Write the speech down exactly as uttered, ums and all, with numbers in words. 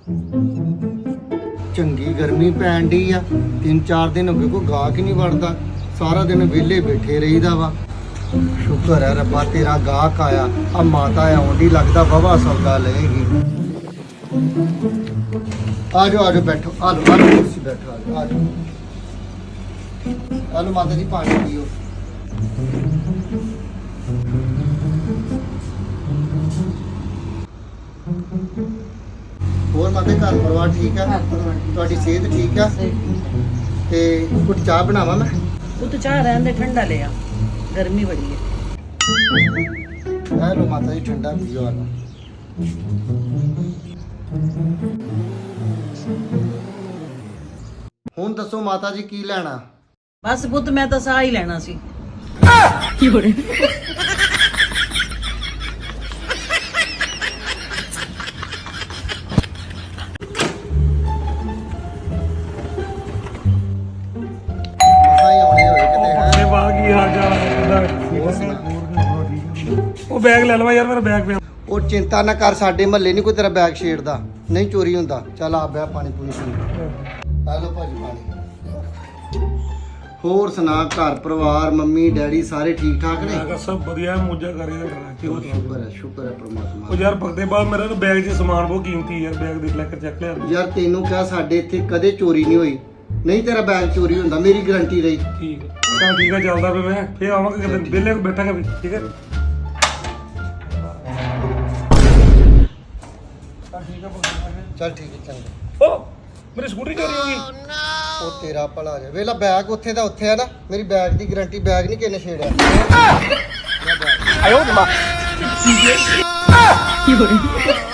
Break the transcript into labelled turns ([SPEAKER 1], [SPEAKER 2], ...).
[SPEAKER 1] ਚੰਗੀ ਗਰਮੀ ਪੈਣ ਡਈ ਆ। ਤਿੰਨ ਚਾਰ ਦਿਨ ਹੋ ਗਏ ਕੋਈ ਗਾਹਕ ਹੀ ਨਹੀਂ ਵੜਦਾ। ਸਾਰਾ ਦਿਨ ਵਿਹਲੇ ਬੈਠੇ ਰਹੀਦਾ ਵਾ। ਸ਼ੁਕਰ ਹੈ ਰੱਬਾ ਤੇਰਾ ਗਾਹਕ ਆਇਆ। ਆ ਮਾਤਾ ਆਉਂਦੀ ਲੱਗਦਾ ਵਾਹਵਾ ਸੌਦਾ ਲਏਗੀ। ਆ ਜਾਓ ਆ ਜਾਓ ਬੈਠੋ। ਆ ਲਓ ਆ ਲਓ ਕੁਰਸੀ ਬੈਠੋ। ਆ ਜਾਓ ਆ ਜਾਓ। ਆ ਲਓ ਮਾਤਾ ਜੀ ਪਾਣੀ ਪੀਓ। ਹੋਰ ਮਾਤਾ ਘਰ ਪਰਿਵਾਰ ਠੀਕ ਆ? ਤੁਹਾਡੀ ਸਿਹਤ ਠੀਕ ਆ? ਤੇ ਕੁਝ ਚਾਹ ਬਣਾਵਾਂ ਮੈਂ?
[SPEAKER 2] ਉਹ ਤਾਂ ਚਾਹ ਰਹਿਣ ਦੇ, ਠੰਡਾ ਲਿਆ, ਗਰਮੀ ਬੜੀ ਹੈ।
[SPEAKER 1] ਆ ਲਓ ਮਾਤਾ ਜੀ ਠੰਡਾ ਪੀਓ। ਆ ਲਓ। ਹੁਣ ਦੱਸੋ ਮਾਤਾ ਜੀ ਕੀ ਲੈਣਾ?
[SPEAKER 2] ਬਸ ਪੁੱਤ ਮੈਂ ਤਾਂ ਸਾਹ ਹੀ ਲੈਣਾ ਸੀ।
[SPEAKER 1] ਮਸਾਂ ਹੀ ਆਉਣੇ ਹੋਏ ਕਿਤੇ ਹੈ।
[SPEAKER 3] ਵਾਹ ਕੀ ਹਾਲ ਚਾਲ ਹੈ? ਉਹ ਬੈਗ ਲੈ ਲਵਾ ਯਾਰ, ਮੇਰਾ ਬੈਗ ਪਿਆ।
[SPEAKER 1] ਉਹ ਚਿੰਤਾ ਨਾ ਕਰ, ਸਾਡੇ ਮਹੱਲੇ ਨਹੀਂ ਕੋਈ ਤੇਰਾ ਬੈਗ ਛੇੜਦਾ, ਨਹੀਂ ਚੋਰੀ ਹੁੰਦਾ। ਚੱਲ ਆ ਬੈ ਪਾਣੀ ਪੂਣੀ ਪੀ। ਆ ਲਓ ਭਾਜੀ ਪਾਣੀ। ਹੋਰ ਸੁਣਾ ਘਰ ਪਰਿਵਾਰ ਮੰਮੀ ਡੈਡੀ ਸਾਰੇ ਠੀਕ ਠਾਕ ਨੇ?
[SPEAKER 3] ਮੈਂ ਕਿਹਾ ਸਭ ਵਧੀਆ, ਮੋਜਾ ਕਰੀ ਦਾ ਕੀ ਹੋ
[SPEAKER 1] ਸ਼ੁਕਰ ਹੈ ਸ਼ੁਕਰ ਹੈ ਪ੍ਰਮਾਤਮਾ।
[SPEAKER 3] ਉਹ ਯਾਰ ਭਗਤੇ ਬਾਅਦ ਮੇਰਾ ਤਾਂ ਬੈਗ 'ਚ ਸਮਾਨ ਬਹੁਤ ਕੀਮਤੀ ਯਾਰ, ਬੈਗ ਦੇਖ ਲੈ ਕੇ ਚੱਕ ਲਿਆ।
[SPEAKER 1] ਯਾਰ ਤੈਨੂੰ ਕਿਹਾ ਸਾਡੇ ਇੱਥੇ ਕਦੇ ਚੋਰੀ ਨਹੀਂ ਹੋਈ, ਨਹੀਂ ਤੇਰਾ ਬੈਗ ਚੋਰੀ ਹੁੰਦਾ, ਮੇਰੀ ਗਾਰੰਟੀ ਰਹੀ।
[SPEAKER 3] ਠੀਕ ਹੈ ਚੱਲ ਠੀਕ ਹੈ, ਚੱਲਦਾ ਪਿਆ ਮੈਂ, ਫੇਰ ਆਵਾਂਗਾ ਕਿਤੇ ਵਿਹਲੇ ਬੈਠਾਂਗਾ ਵੀ। ਠੀਕ ਹੈ
[SPEAKER 1] ਚੱਲ ਠੀਕ ਹੈ ਚੰਗਾ।
[SPEAKER 3] ਓ ਮੇਰੀ ਸਕੂਟਰੀ ਚੋਰੀ ਹੋ ਗਈ।
[SPEAKER 1] ਉਹ ਤੇਰਾ ਭਲਾ ਜਾ ਵੇਲਾ, ਬੈਗ ਉੱਥੇ ਦਾ ਉੱਥੇ ਆ ਨਾ, ਮੇਰੀ ਬੈਗ ਦੀ ਗਾਰੰਟੀ, ਬੈਗ ਨਹੀਂ ਕਿਨੇ ਛੇੜਿਆ।
[SPEAKER 3] ਆਇਓ ਮਾਂ